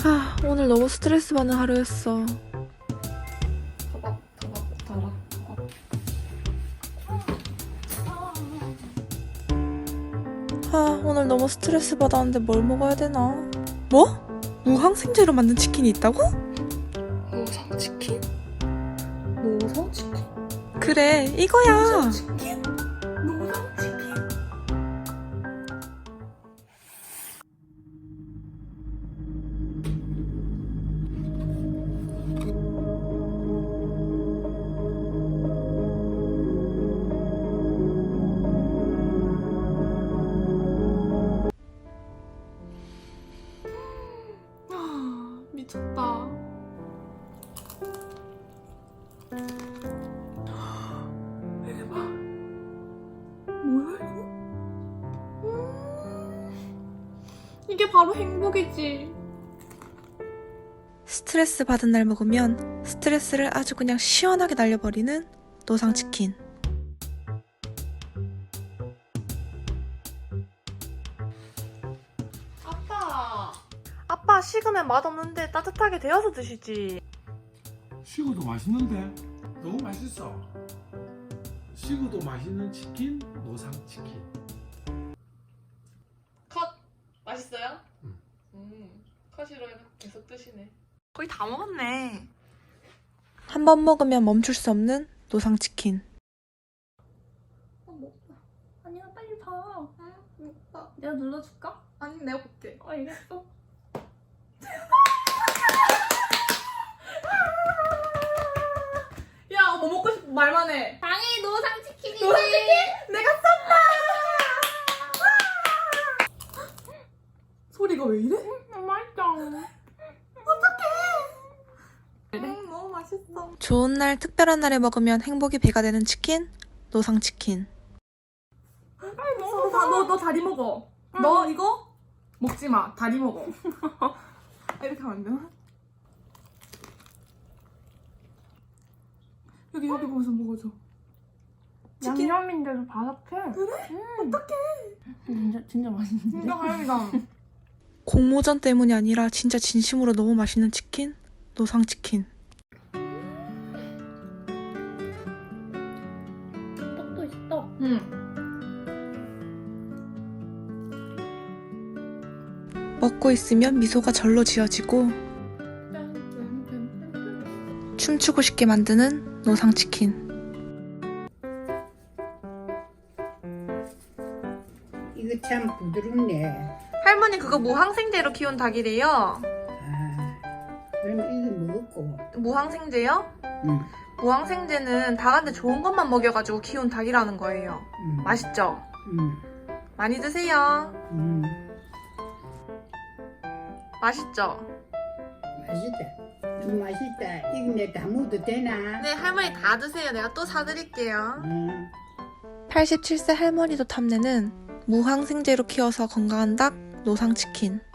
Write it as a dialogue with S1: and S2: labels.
S1: 오늘 너무 스트레스 받는 하루였어. 오늘 너무 스트레스 받았는데 뭘 먹어야 되나? 뭐? 무항생제로 만든 치킨이 있다고? 노상치킨?
S2: 노상치킨?
S1: 그래, 이거야.
S2: 노상치킨? 노상치킨?
S1: 미쳤다.
S2: 대박. 뭐야 이거?
S1: 이게 바로 행복이지. 스트레스 받은 날 먹으면 스트레스를 아주 그냥 시원하게 날려버리는 노상치킨. 아빠 식으면 맛없는데 따뜻하게 데워서 드시지.
S3: 식어도 맛있는데? 너무 맛있어. 식어도 맛있는 치킨, 노상치킨.
S1: 컷! 맛있어요?
S3: 응.
S1: 컷이로 계속 드시네. 거의 다 먹었네. 한 번 먹으면 멈출 수 없는 노상치킨.
S2: 아니야 빨리 봐. 응? 내가 눌러줄까?
S1: 아니 내가 볼게.
S2: 알겠어.
S1: 야, 뭐 먹고 싶어 말만 해.
S2: 당연히 노상치킨이지.
S1: 노상치킨? 내가 쏜다! 소리가 왜 이래?
S2: 맛있다.
S1: 너무 맛있어. 좋은 날, 특별한 날에 먹으면 행복이 배가 되는 치킨, 노상치킨.
S2: 너 다리 먹어. 너 이거 먹지 마. 다리 먹어. 이렇게 하면 안 되나? 여기 보면서 먹어줘. 치킨?
S4: 양념인데도 바삭해.
S2: 그래? 어떡해.
S4: 진짜 맛있는데?
S2: 진짜 다행이다.
S1: 공모전 때문이 아니라 진짜 진심으로 너무 맛있는 치킨, 노상치킨.
S4: 떡도 있어.
S2: 응.
S1: 먹고 있으면 미소가 절로 지어지고 춤추고 싶게 만드는 노상치킨.
S5: 이거 참 부드럽네.
S1: 할머니 그거 무항생제로 키운 닭이래요.
S5: 아, 그럼 이거 먹었고.
S1: 무항생제요?
S5: 응.
S1: 무항생제는 닭한테 좋은 것만 먹여가지고 키운 닭이라는 거예요. 맛있죠? 많이 드세요. 맛있죠?
S5: 맛있다. 너무 맛있다. 이거 내 다 먹어도 되나?
S1: 네, 할머니 다 드세요. 내가 또 사드릴게요.
S5: 응.
S1: 87세 할머니도 탐내는 무항생제로 키워서 건강한 닭 노상치킨.